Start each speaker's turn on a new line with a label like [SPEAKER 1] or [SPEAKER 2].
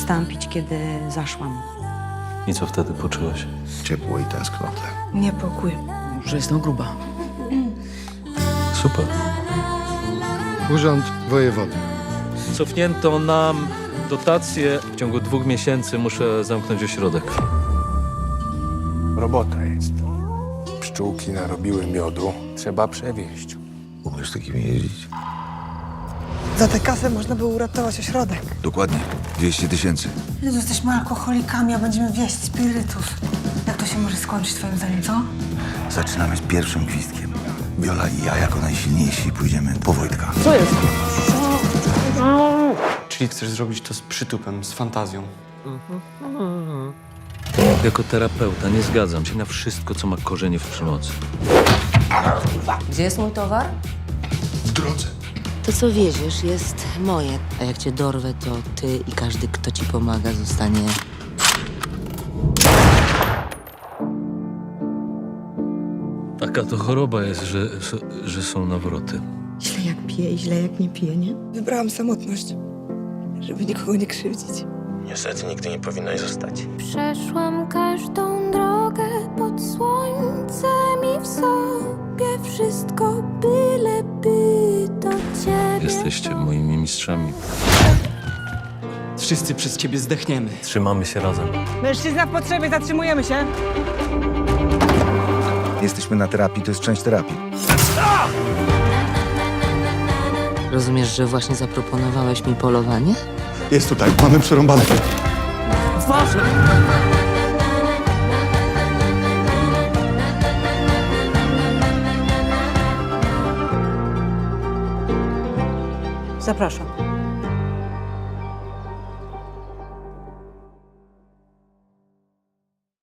[SPEAKER 1] Przestałam pić, kiedy zaszłam.
[SPEAKER 2] I co wtedy poczułaś?
[SPEAKER 3] Ciepło i tęsknotę.
[SPEAKER 1] Niepokój.
[SPEAKER 4] Że jestem gruba.
[SPEAKER 2] Super.
[SPEAKER 3] Urząd Wojewody.
[SPEAKER 2] Cofnięto nam dotację. W ciągu 2 miesięcy muszę zamknąć ośrodek.
[SPEAKER 5] Robota jest. Pszczółki narobiły miodu. Trzeba przewieźć.
[SPEAKER 3] Umiesz takimi jeździć?
[SPEAKER 6] Za tę kasę można było uratować ośrodek.
[SPEAKER 3] Dokładnie. 200 000.
[SPEAKER 6] Jezu, jesteśmy alkoholikami, a będziemy wieść spirytów. Jak to się może skończyć twoim zdaniem, co?
[SPEAKER 3] Zaczynamy z pierwszym gwizdkiem. Wiola i ja jako najsilniejsi pójdziemy po Wojtka.
[SPEAKER 7] Czyli chcesz zrobić to z przytupem, z fantazją.
[SPEAKER 2] Jako terapeuta nie zgadzam się na wszystko, co ma korzenie w przemocy.
[SPEAKER 8] Gdzie jest mój towar?
[SPEAKER 3] W drodze.
[SPEAKER 8] To, co wieziesz, jest moje. A jak cię dorwę, to ty i każdy, kto ci pomaga, zostanie...
[SPEAKER 2] Taka to choroba jest, że są nawroty.
[SPEAKER 6] Źle jak pije i źle jak nie pije, nie? Wybrałam samotność, żeby nikogo nie krzywdzić.
[SPEAKER 5] Niestety nigdy nie powinnaś zostać.
[SPEAKER 9] Przeszłam każdą drogę pod słońcem i w sobie wszystko, byleby do ciebie.
[SPEAKER 2] Jesteście moimi mistrzami.
[SPEAKER 4] Wszyscy przez ciebie zdechniemy.
[SPEAKER 2] Trzymamy się razem.
[SPEAKER 6] Mężczyzna w potrzebie, zatrzymujemy się.
[SPEAKER 3] Jesteśmy na terapii, to jest część terapii.
[SPEAKER 8] Rozumiesz, że właśnie zaproponowałeś mi polowanie?
[SPEAKER 3] Jest tutaj, mamy przerąbane.
[SPEAKER 6] Zapraszam.